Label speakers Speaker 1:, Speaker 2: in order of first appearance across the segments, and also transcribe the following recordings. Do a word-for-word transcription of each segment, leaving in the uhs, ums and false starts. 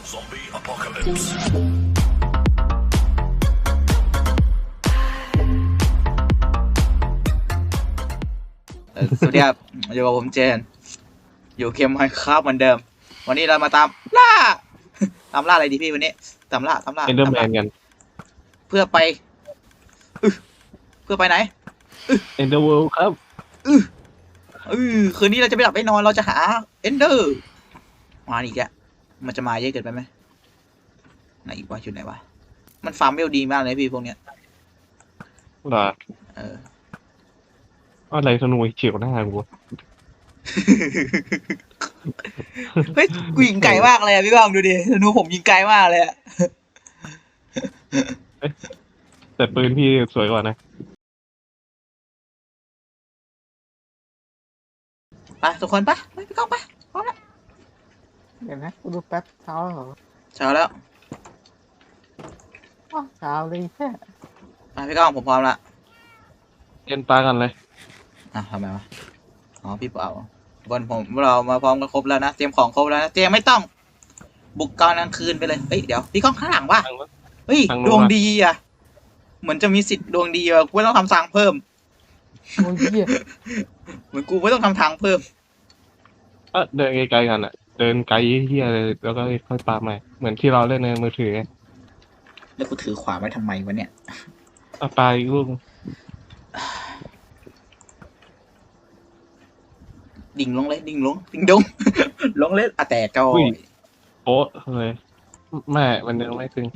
Speaker 1: Zombie apocalypse.
Speaker 2: เอ่อสวัสดีครับอยู่กับผมเจนอยู่เกมไมน์คราฟเหมือนเดิม วันนี้เรามาตามล่า ตามล่าอะไรดีพี่วันนี้ตามล่าตามล่า
Speaker 3: เอนเดอร์แม
Speaker 2: ตาม
Speaker 3: น
Speaker 2: ล่า
Speaker 3: กัน
Speaker 2: เพื่อไปอึเพื่อไปไหน
Speaker 3: เอนเดอร์เวิลด์ครับ
Speaker 2: อือคืนนี้เราจะไม่หลับไม่นอนเราจะหาเอนเดอร์มาอีกอะมันจะมาเยอะเกินไปไหมไหนอีกวะอยู่ไหนวะมันฟาร์มเวลดีมากเลยพี่พวกเนี้ย
Speaker 3: เหรอ
Speaker 2: เออ
Speaker 3: อะไรธนูเฉียวหน้ากู
Speaker 2: เฮ้ยกูยิงไกลมากเลยอะพี่บ้างดูดิธนูผมยิงไกลมากเลยอะ
Speaker 3: แต่ปืนพี่สวยกว่านะ
Speaker 2: ไปทุกคนไปไปพี่ก้องไปพร้อมแล้ว
Speaker 4: เดี๋ยวนะกูดูแป๊บเช้าแล้วเหรอ
Speaker 2: เช้าแล้ว
Speaker 4: อ้าวเช้าเลยแค่
Speaker 2: ไปพี่ก้องผมพร้อมละ
Speaker 3: เอ็นปลากันเลย
Speaker 2: อ่ะทำไมวะอ๋อพี่เปล่าบนผมเรามาพร้อมกันครบแล้วนะเตรียมของครบแล้วนะเตรียมไม่ต้อง บุกกลางกลางคืนไปเลยเฮ้ยเดี๋ยวพี่ก้องข้างหลังว่ะ
Speaker 3: ทางนู้น
Speaker 2: เฮ้ย
Speaker 3: ทางนู้น
Speaker 2: ดวง
Speaker 3: ว่ะ
Speaker 2: ดีอ่ะเหมือนจะมีสิทธิ์ดวงดีอ่ะกูไม่ต้องทำทางเพิ่ม
Speaker 4: โอ้ยเหี้ย
Speaker 2: เหมือนกูไม่ต้องทำทางเพิ่ม
Speaker 3: ก็เดินไกลๆกันอ่ะ เดินไกลเฮียเลยแล้วก็ค่อยปาใหม่เหมือนที่เราเล่นในมือถือไง
Speaker 2: แล้วกูถือขวาไว้ทำไมวะเนี่ย
Speaker 3: เอาปลาอีกลูก
Speaker 2: ดิ่งลงเลยดิ่งลงดิ่งดง ลงเลยอ่ะแต่ก็
Speaker 3: อุ้ยโป๊ะเลยแม่มันยังไม่ถึง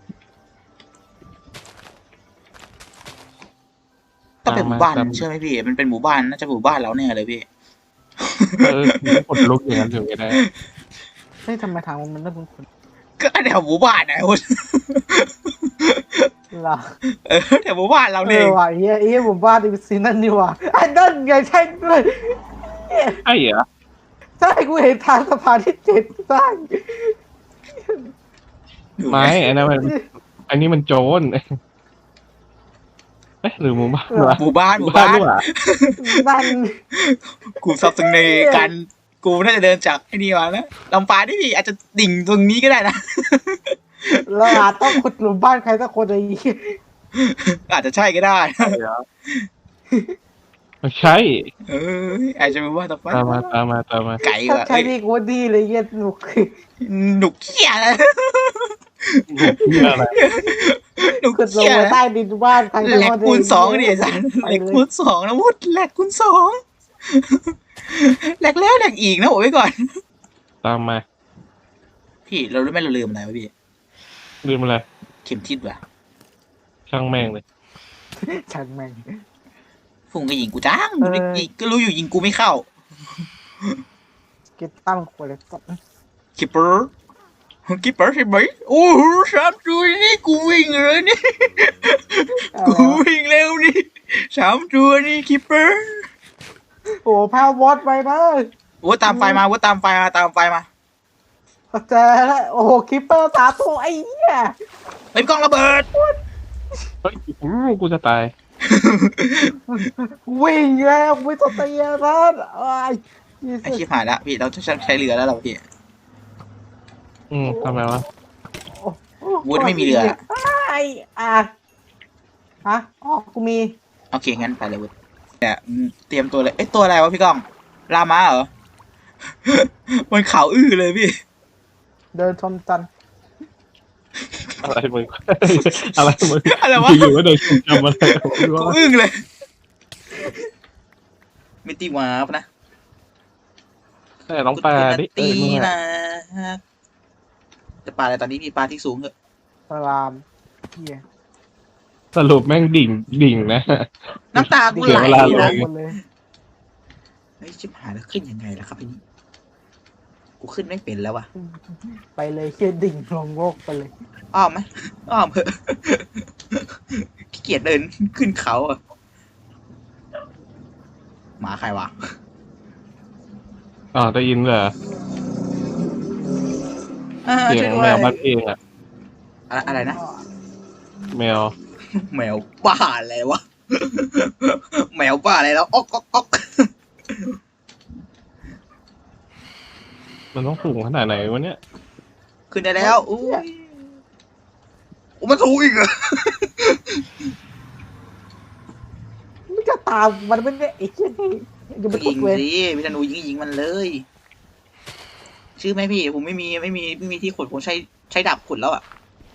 Speaker 2: ต้องเป็นหมู่บ้าน
Speaker 3: ตามมา
Speaker 2: เชื่อไหมพี่มันเป็นหมู่บ้านน่าจะหมู่บ้านเราเนี่ยเลยพี่
Speaker 3: เออมันกดลุกอย่างนั้นถึงไม่ได้
Speaker 4: เฮ้ยทำไมทางมันเริ่มคุ้น
Speaker 2: ก็แถวหมู่บ้านนะคุณ
Speaker 4: ๆล่ะ
Speaker 2: เออแถวหมู่บ้านเรา
Speaker 4: เอ
Speaker 2: เนี่ย
Speaker 4: อว่ะเฮียเฮียหมู่บ้านอีซีนั่นนี่ว่ะไอ้นั่นไงใช่ด้วย
Speaker 3: ไอ้เหรอ
Speaker 4: ใช่กูเห็นทางสะพานที่เจ็ดสร้าง
Speaker 3: ไม่อันนั้นมันอันนี้มันโจรเอ๊ะหรือหมู่บ้านวะ
Speaker 2: หมู่บ้านหมู่บ้าน
Speaker 3: หรือเปล่า
Speaker 4: นั่น
Speaker 2: กูซับซึงในการกูน่าจะเดินจากไอ้นี่มาแล้วลำปางที่พี่อาจจะดิ่งตรงนี้ก็ได้นะ
Speaker 4: เราอาจต้องขุดหลุมบ้านใครสักคนไอ้เหี้ย
Speaker 2: อาจจะใช่ก็ได้
Speaker 3: ไม่ใช่
Speaker 2: เอออาจจะเป็นว่าต่อไป
Speaker 3: ตามมาตามมาตามมา
Speaker 2: ไก่
Speaker 4: ถ้า
Speaker 2: ว่ะ
Speaker 4: ใช้
Speaker 2: เอ้ย
Speaker 4: ดีกูว่าดีเลยเหี้ยหนุก
Speaker 2: หนุกเขี้ยเลย
Speaker 3: เหี้ยอะไร
Speaker 2: หนุก
Speaker 4: ขุดลง
Speaker 2: เขี้ย
Speaker 4: มาใต้ดินบ้านใครสัก
Speaker 2: แหล
Speaker 4: ค
Speaker 2: ก
Speaker 4: น
Speaker 2: คูณสองดิสันแหลกคูณสองนะวุฒแหลกคูณสองแหลกแล้วแหลกอีกนะโอ้ยก่อน
Speaker 3: ตามมา
Speaker 2: พี่เรารู้ไหมเราลืมอะไรวะพี่
Speaker 3: ลืมอะไร
Speaker 2: เข็มทิศว่ะ
Speaker 3: ช่างแม่งเลย
Speaker 4: ช่างแม่ง
Speaker 2: ฟุงก็ยิงกูจ้าง
Speaker 4: เออ
Speaker 2: ยิงก็รู้อยู่ยิงกูไม่เข้า
Speaker 4: เก็บตั้งขวดเลยสัตว์
Speaker 2: คิปเปอร์คิปเปอร์ใช่ไหมโอ้โหสามตัวนี่กูวิ่งเลยนี่
Speaker 4: อะไร
Speaker 2: กู
Speaker 4: วะ
Speaker 2: วิ่งเร็วนี่สามตัวนี่คิปเปอร์
Speaker 4: โอ้พาวอดไปนะ
Speaker 2: โอ้ตามไฟมาว่าตามไฟมาตามไฟมา
Speaker 4: เจอแล้วโอ้โหคิปเปอร์สามตัวไอ้เหี้ย
Speaker 2: เฮ้ยกล้องระเบิด
Speaker 3: เฮ้ยอู้กูจะตาย
Speaker 4: วิ่งแล้วไม่ต้องเตียนะไอ้ย
Speaker 2: ไอชิบหายแล้วพี่เราจะใช้เรือแล้วเราพี่
Speaker 3: อืมทำไมวะ
Speaker 2: วูดไม่มีเรือ
Speaker 4: ไอ้อ่ะฮะอ๋อกูมี
Speaker 2: โอเคงั้นไปเลยวุฒเนี่ยเตรียมตัวเลยเอ้ยตัวอะไรวะพี่ก้องลามาเหรอ มันขาวอื้อเลยพี่
Speaker 4: เดินชมจันทร์
Speaker 3: อะไรมึง อะไรมึง
Speaker 2: อะไรวะ
Speaker 3: อยู่ว่าเดินจำอะไร
Speaker 2: กูอึ้งเลยมิติวาร์ปนะ
Speaker 3: แต่น้องปลาดิเอ้
Speaker 2: ตี
Speaker 3: ยมึง
Speaker 2: นะ
Speaker 3: อะ
Speaker 2: จะปลาอะไรตอนนี้มีปลาที่สูงเหอะ
Speaker 4: สลามเฮีย
Speaker 3: สรุปแม่งดิ่งดิ่งนะ
Speaker 2: น้ำตากู
Speaker 3: เสีย
Speaker 2: ไหล
Speaker 3: เวลา
Speaker 2: นะ
Speaker 3: เลย
Speaker 4: หมดเลย
Speaker 2: เฮ้ยชิบหายแล้วขึ้นยังไงล่ะครับพี่นี่กูขึ้นไม่เป็นแล้ววะ
Speaker 4: ไปเลยเฮียดิ่งลงโลกไปเลย
Speaker 2: อ้อมไหมอ้อมเหอะขี้เกียจเดินขึ้นเขาอ่ะหมาใครวะ
Speaker 3: อ๋อได้ยินเหรอ
Speaker 2: อ่า
Speaker 3: เสีย
Speaker 2: ช่วย
Speaker 3: ง
Speaker 2: ด้ว
Speaker 3: แม
Speaker 2: ยว
Speaker 3: บ้านเองอะ
Speaker 2: อะไรอะไรนะ
Speaker 3: แมว
Speaker 2: แมวบ้าอะไรวะ แมวบ้าอะไรแล้วอ๊อกอ๊อกอ๊อก
Speaker 3: มันต้องสูงขนาดไหนวะเนี่ย
Speaker 2: ขขึ้นได้แล้วอุ้ยโอ้มันสูงอีกเหรอ
Speaker 4: ไม่จะตามมันไม่ได้ไอ้เชี่ยนี่อย่าไป
Speaker 2: ยิ
Speaker 4: กด
Speaker 2: ง
Speaker 4: เวร
Speaker 2: สิพี่ธนูยิงยิงมันเลย ชื่อไหมพี่ผมไม่มีไม่มีไม่มีที่ขุดผมใช้ใช้ดาบขุดแล้วอ่ะ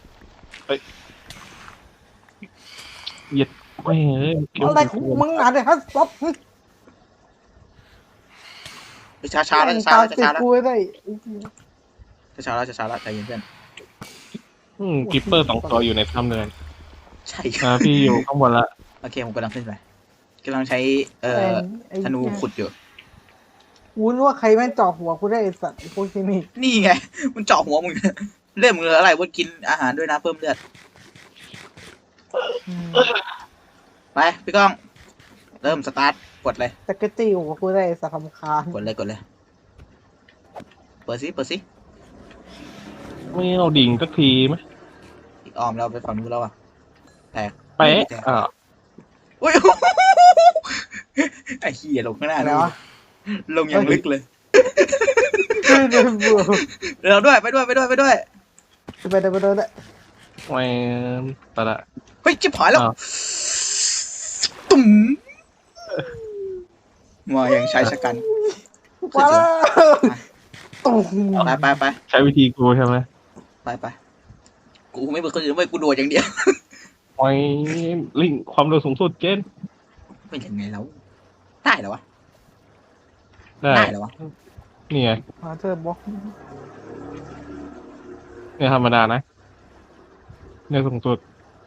Speaker 3: เหยียดไม่เอ้ยเกี่ยว
Speaker 4: อะไรของมึงอ่ะเนี่ยฮะป๊อป
Speaker 2: ช้าช้าๆแล้วช้าๆแล้วช้าๆแล้ว
Speaker 4: กูได้
Speaker 2: ช้าๆแล้วช้าๆแล้วใจเย็นเพื่อน
Speaker 3: อืมกิปเปอร์สองตัวอยู่ในถ้ำเลย
Speaker 2: ใช่
Speaker 3: อ่าพี่อยู่ข้างบนละ
Speaker 2: โอเคผมกำลังขึ้นไปกำลังใช้เอ่อธนูขุดอยู่
Speaker 4: กูนึกว่าใครแม่งจ่อหัวกูได้ไอ้สัตว์ไอ้พวกที่นี่
Speaker 2: นี่ไง มันเจาะหัวมึง เลือดมึงเหลืออะไรว่ากินอาหารด้วยนะเพิ่มเลือด
Speaker 4: อืม
Speaker 2: ไปพี่ก้อง เริ่มสตาร์ทกดเลย
Speaker 4: จักรจี้หัวกูได้ไอ้สัตว์ทำคาญ
Speaker 2: กดเลยกดเลย เปิดซิเปิดซิ
Speaker 3: ไม่เอาดิ่งสักทีไหม
Speaker 2: อีกออมเราไปฝั่งนู้นแล้วอ่ะแตก
Speaker 3: เป๊ะ
Speaker 2: แตก
Speaker 3: อ่า
Speaker 2: อุ้ย ไอ้เหี้ยลงข้างหน้า
Speaker 4: อะไร
Speaker 2: ดู
Speaker 4: วะ
Speaker 2: ลงอย่างลึกเลย
Speaker 4: ไม่ได้เบื่อ
Speaker 2: เราด้วยไปด้วยไปด้วยไปด้วย
Speaker 4: ไปเดินไปเดินได้
Speaker 3: ไม่ไปละ
Speaker 2: เฮ้ยจิบหายแล้ว
Speaker 3: อ้าว
Speaker 2: ตุ่มมาอย่างชายชะกัน
Speaker 4: มาแล้วตุ้ม
Speaker 2: ไปไปไป
Speaker 3: ใช้วิธีกูใช่ไหม
Speaker 2: ไปไปกูไม่เป็นคนอื่นไม่กูโดดอย่างเดียว
Speaker 3: ไม่ลิงความเร็วสูงสุดเจน
Speaker 2: เป็นยังไงแล้วได้เหรอวะ
Speaker 3: ได้
Speaker 2: ได้เหรอวะ
Speaker 3: นี่ไง
Speaker 4: มาเธอบล็อก
Speaker 3: เนี่ยธรรมดานะเนี่ยสูงสุด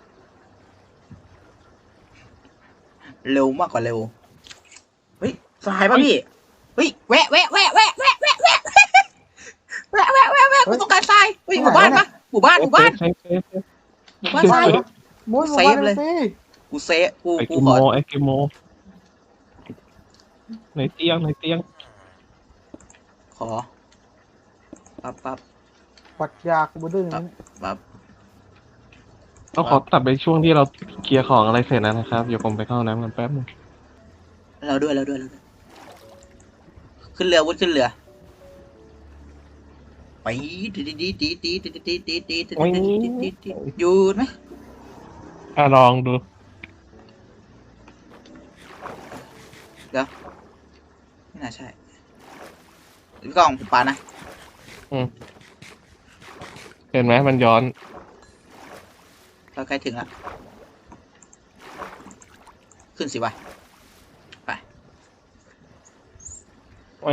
Speaker 2: เร็วมากกว่าเร็วเฮ้ยสายป่ะพี่เฮ้ยแวะแวะแวะแวะแวะแวะแวะแวะแวะแวะแวะกูต้องการทรายเฮ้ยหมู่บ้านปะหมู่บ้านหมู่บ้าน
Speaker 3: เซฟเซฟเซฟ
Speaker 2: หมู่บ้านทราย
Speaker 4: มุ้ย
Speaker 2: เซฟเลย
Speaker 4: สิ
Speaker 2: กูเซฟกู
Speaker 3: ไอ
Speaker 2: กู
Speaker 3: กิ
Speaker 2: ข
Speaker 3: โม
Speaker 2: อ
Speaker 3: ไอกิโมในเตียงในเตียง
Speaker 2: ขอปั๊บปั๊บ
Speaker 4: ปัดยากูดื้อนั้น
Speaker 2: ปั๊บ
Speaker 3: ต้องขอตัดไปช่วงที่เราเคลียร์ของอะไรเสร็จแล้วนะครับเดี๋ยวผมไปเข้าห้องน้ำกันแป๊บนึง
Speaker 2: เราด้วยเราด้วยเราด้วยขึ้นเรือวุ้นขึ้นเรือไปตีตีตีตีตีตีตีตีตีตีตีตีหยุดไหม
Speaker 3: อ่ะลองดู
Speaker 2: ไม่น่าใช่พี่กองผมปานะ
Speaker 3: เห็นไหมมันย้อน
Speaker 2: เราใกล้ถึงละขึ้นสิวะ
Speaker 3: ไม่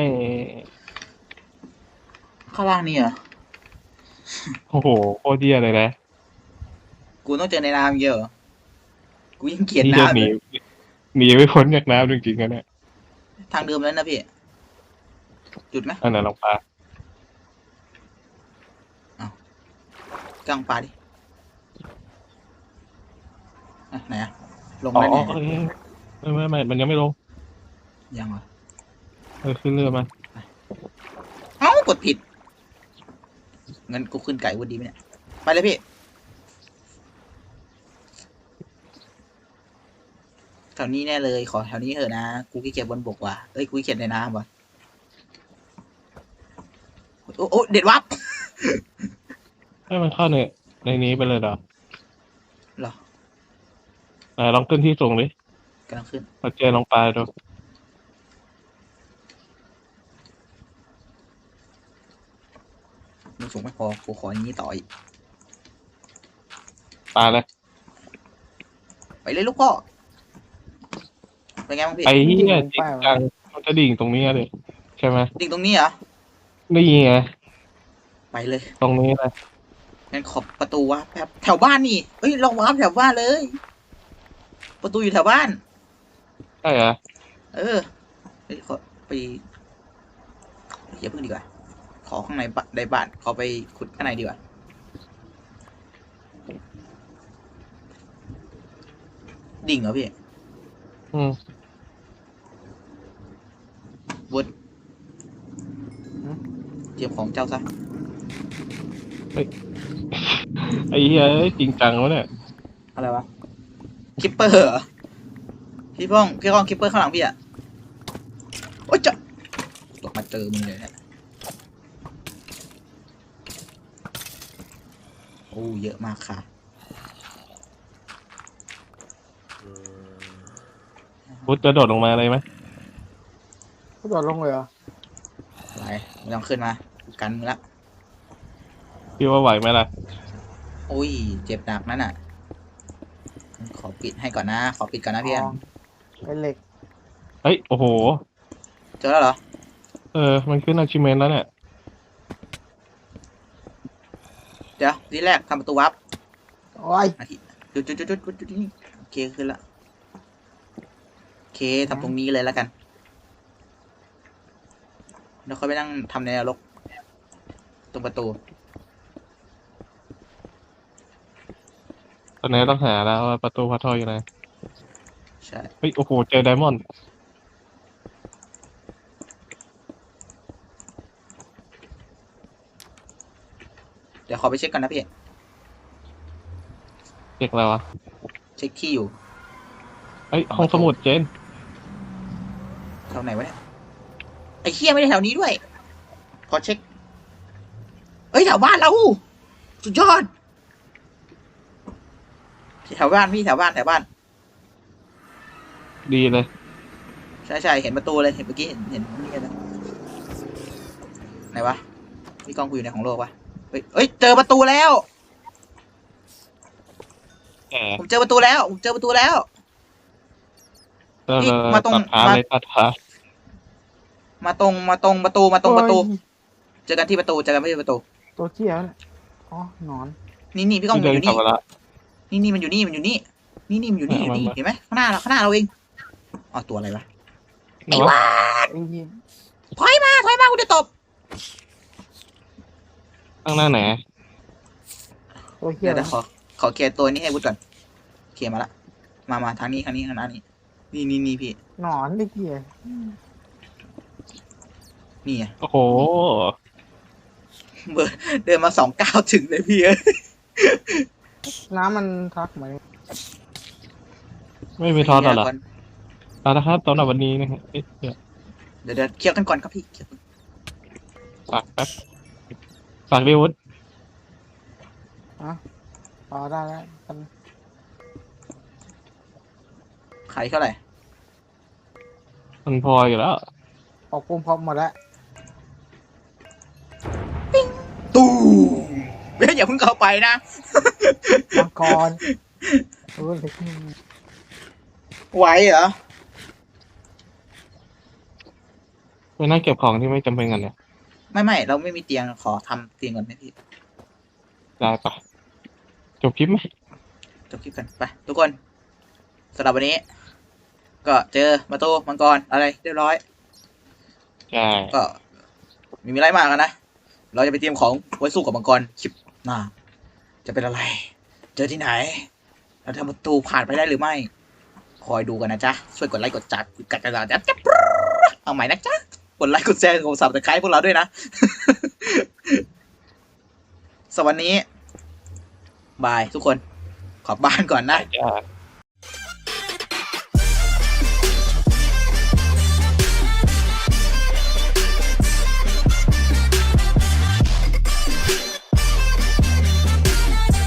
Speaker 2: ข้างล่างนี่เหรอ
Speaker 3: โอ้โหโคตรเดียเลยนะ
Speaker 2: กูต้องเจอในน้ำเยอะเหรอกูยังเกลียด
Speaker 3: นี่จะ
Speaker 2: น้ำ
Speaker 3: หนี
Speaker 2: เลย
Speaker 3: หนีไม่พ้นจากน้ำจริงๆนะเนี่ย
Speaker 2: ทางเดิมแล้วนะพี่จุดไหม
Speaker 3: อันไหนลองปลา
Speaker 2: กลางปลาดิอ่ะไหนอะลง
Speaker 3: อ๋อ
Speaker 2: ได้ไหน
Speaker 3: เอ้ยไม่ไม่ไม่มันยังไม่ลง
Speaker 2: ยังเหรอ
Speaker 3: เออขึ้นเรือมา
Speaker 2: เอ้ากดผิดงั้นกูขึ้นไก่วันดีไหมเนี่ยไปเลยพี่แถวนี้แน่เลยขอแถวนี้เถอะนะกูขี้เกียจบนบกว่ะเอ้ยกูขี้เกียจในน้ำว่ะโอ้โอ้เด็ดวับ
Speaker 3: ให้มันเข้าในในนี้ไปเลยเหรอ
Speaker 2: เหรอ
Speaker 3: อ่าลองขึ้นที่สูงดิ
Speaker 2: กำลังขึ้น
Speaker 3: มาเจอลองปลาดู
Speaker 2: มึงสูงไม่พอกูขออย่างนี้ต่ออีก
Speaker 3: ปลาเลย
Speaker 2: ไปเลยลูกพ่อเป็นไงบ้างพี่
Speaker 3: ไอ้เหี้ยจริงจังมันจะดิ่งตรงนี้เลยใช่ไหม
Speaker 2: ดิ่งตรงนี้เหรอ
Speaker 3: นี่ไง
Speaker 2: ไปเลย
Speaker 3: ตรงนี้เลย
Speaker 2: งั้นขอบประตูวะแป๊บแถวบ้านนี่เฮ้ยลองวาร์ปแถวบ้านเลย ประตูอยู่แถวบ้าน
Speaker 3: ใช่เหรอ
Speaker 2: เออเฮ้ยขอไปอย่าเพิ่งดีกว่า ขอข้างในบ้านในบ้านขอไปขุดข้างในดีกว่า ดิ่งเหรอพี่
Speaker 3: อืม
Speaker 2: วุฒเตรียมของเจ้าซะ
Speaker 3: ไอ้เหี้ยเอ้ยจริงจังวะเนี่ย
Speaker 2: อะไรวะคิปเปอร์เหรอพี่พ้องพี่พ้องคิปเปอร์ข้างหลังพี่อะโอ๊ยจะตกมาเจอมึงเลยเนี่ยโอ้เยอะมากค่ะ
Speaker 3: พุทธจะโดดลงมาเลยไหม
Speaker 4: ก็โดดลงเลยเหรอ
Speaker 2: อะไรไม่ต้องขึ้นมากันมึงละ
Speaker 3: พี่ว่าไหวไหมล่ะ
Speaker 2: โอ้ยเจ็บหนักนั่นน่ะ ขอปิดให้ก่อนนะ ขอปิดก่อนนะพี่อัน
Speaker 4: อ๋อเป็นเหล็ก
Speaker 3: เฮ้ย โอ้โห
Speaker 2: เจอแล้วเหรอ
Speaker 3: เออ มันขึ้น achievement แล้วเนี่ย
Speaker 2: เดี๋ยวทีแรกทำประตูวับ
Speaker 4: โอ้ย
Speaker 2: อาทิจุดจุดจุดจุดจุดจุดนี่โอเคขึ้นละโอเคทำตรงนี้เลยแล้วกันแล้วค่อยไปนั่งทำในนรกตรงประตู
Speaker 3: ตอนนี้ต้องหาแล้วว่าประตูพัททอยอยู่ไหน
Speaker 2: ใช่
Speaker 3: เฮ้ย โอ้โห เจอไดมอนด์
Speaker 2: เดี๋ยวขอไปเช็คก่อนนะพี่
Speaker 3: เรียกอะไรวะ
Speaker 2: เช็คที่อยู่
Speaker 3: เฮ้ย ห้องสมุดเจน
Speaker 2: แถวไหนวะเนี่ยไอ้เคียไม่ได้แถวนี้ด้วย ขอเช็คเอ้ยแถวบ้านเราสุดยอดแถวบ้านพี่แถวบ้านแถวบ้าน
Speaker 3: ดีเลย
Speaker 2: ใช่ใช่เห็นประตูเลยเห็นเมื่อกี้เห็นเห็นนี่เลยไหนวะพี่กล้องกูอยู่ในของโลกวะเฮ้ยเอ้ยเจอประตูแล้ว
Speaker 3: แหม
Speaker 2: ผมเจอประตูแล้วผมเจอประตูแล้ว
Speaker 3: เออ
Speaker 2: นี่มาตรง
Speaker 3: ตัดท้า
Speaker 2: มา
Speaker 3: เลยตัดท้า
Speaker 2: มาตรงมาตรงประตูมาตรงประตู
Speaker 4: โอ้ย
Speaker 2: เจอกันที่ประตูเจอกันที่ประตู
Speaker 4: ตัวเจี๊ยบเนี่ยอ๋อหนอน
Speaker 2: นี่นี่พี่กล้อง
Speaker 3: ที่
Speaker 2: มัน
Speaker 3: เดิ
Speaker 2: อน ยู่
Speaker 3: กลับ
Speaker 2: นี่
Speaker 3: มาละ
Speaker 2: นี่นี่มันอยู่นี่มันอยู่นี่นี่นี่มันอยู่นี่อยู่นี่
Speaker 3: มามา
Speaker 2: เห็นไหมข้างหน้าเราข้างหน้าเราเองอ๋อตัวอะไรวะ ไอ้
Speaker 3: เนาะ
Speaker 2: วา
Speaker 4: ไอ้เหี้ย
Speaker 2: ถอยมาถอยมากูจะตบ
Speaker 3: ข้างหน้าไหน
Speaker 4: ตัวเจี๊
Speaker 2: เดี๋
Speaker 4: ย
Speaker 2: ยว
Speaker 4: บ
Speaker 2: เดี๋ยวขอขอเคลียร์ตัวนี้ให้วุฒก่อนเคลียร์มาละมามาทางนี้ทางนี้ทางหน้านี้นี่นี่นี่พี่
Speaker 4: หนอนไอ้เหี้ย
Speaker 2: นี่ไง
Speaker 3: โอ้โห
Speaker 2: เบอร์เดินมาสองก้าวถึงเลยพี่เอ้ย
Speaker 4: น้ำมันทักไหม
Speaker 3: ไม่มีทอดหรอเอาละครับสำหรับวันนี้นะฮะเอ๊ะเดี๋ยว
Speaker 2: เดี๋ยวเดี๋ยวเคลียร์กันก่อนครับพี่เคลียร์กัน
Speaker 3: ฝากแป๊บฝากดิวุฒ
Speaker 4: พอได้แล้วกัน
Speaker 2: ขายเท่าไหร่
Speaker 3: มันพออยู่แล้ว
Speaker 4: ปอกปุ่มพร้อมหมดแล้ว
Speaker 2: ตู้เฮ้ยอย่าเพิ่งเข้าไปนะ
Speaker 4: มังกรเออเล็กนิดนึง
Speaker 2: ไหวเหรอ
Speaker 3: ไปนั่งเก็บของที่ไม่จำเป็นกันเนี่ย
Speaker 2: ไม่ไม่เราไม่มีเตียงขอทำเตียงก่อนไหมพี่
Speaker 3: ได้ปะจบคลิปไหม
Speaker 2: จบคลิปกันไปทุกคนสำหรับวันนี้ ก็เจอประตูมังกรอะไรเรียบร้อย
Speaker 3: ใช่
Speaker 2: ก็ไมีมีไรมากกันนะ เราจะไปเตรียมของไว้สู้กับมังกรคลิปหน้าจะเป็นอะไร เจอที่ไหน เราทำประตูผ่านไปได้หรือไม่ คอยดูกันนะจ๊ะ ช่วยกดไลค์กดจัดกัดกระดาษจัดเอาใหม่นะจ๊ะ กดไลค์กดแชร์กดซับสไครต์พวกเราด้วยนะ สวัสดีบายทุกคน ขอบบ้านก่อนนะ
Speaker 3: จ้า